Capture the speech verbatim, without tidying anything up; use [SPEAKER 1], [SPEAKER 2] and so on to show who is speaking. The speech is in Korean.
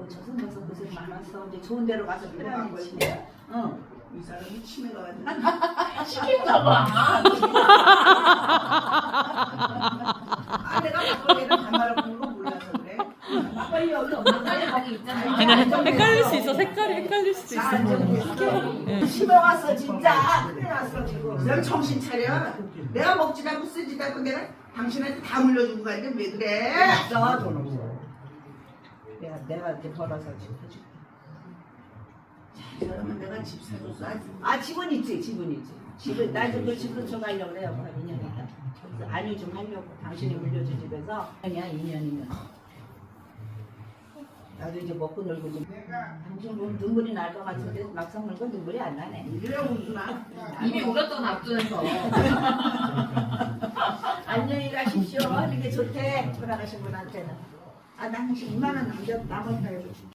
[SPEAKER 1] 아이고 저승에서 고생 많았어. 이제 좋은 데로 가서 편안히 지내. 응.
[SPEAKER 2] 이 사람이 치매가 왔는데
[SPEAKER 1] 시킨가 봐.
[SPEAKER 2] 아 내가 막걸리를 반말을 부는 거 몰라서 그래.
[SPEAKER 1] 막걸리 여기 막걸리 거기 있잖아.
[SPEAKER 3] 아니 헷갈릴 수 있어. 색깔이 헷갈릴 수도 있어.
[SPEAKER 1] 치매 왔어 진짜. 큰일 났어 지금.
[SPEAKER 2] 넌 정신 차려. 내가 먹지도 않고 쓰지도 않고 내가 당신한테 다 물려주고 가는데 왜 그래?
[SPEAKER 1] 없어 돈 없어. 내가 내가 이제 벌어서 지금 해줄게.
[SPEAKER 2] 그러면 내가 집 사줬어.
[SPEAKER 1] 아 집은 있지 집은 있지. 집은 나 지금 그 집도 좀 하려고 그래요. 한 이 년 있다. 그래서 안유 좀 하려고 당신이 물려준 집에서 아니야 이 년이면. 나도 이제 먹고 놀고 좀. 당신 보면 눈물이 날 것 같은데 막상 놀고 눈물이 안 나네.
[SPEAKER 2] 이래고 웃으나?
[SPEAKER 4] 이미 울었던 앞두에서
[SPEAKER 1] 안녕히 가십시오. 하는 게 좋대. 돌아가신 분한테는. 아, 나 당신 이만 원 남겼, 남았다.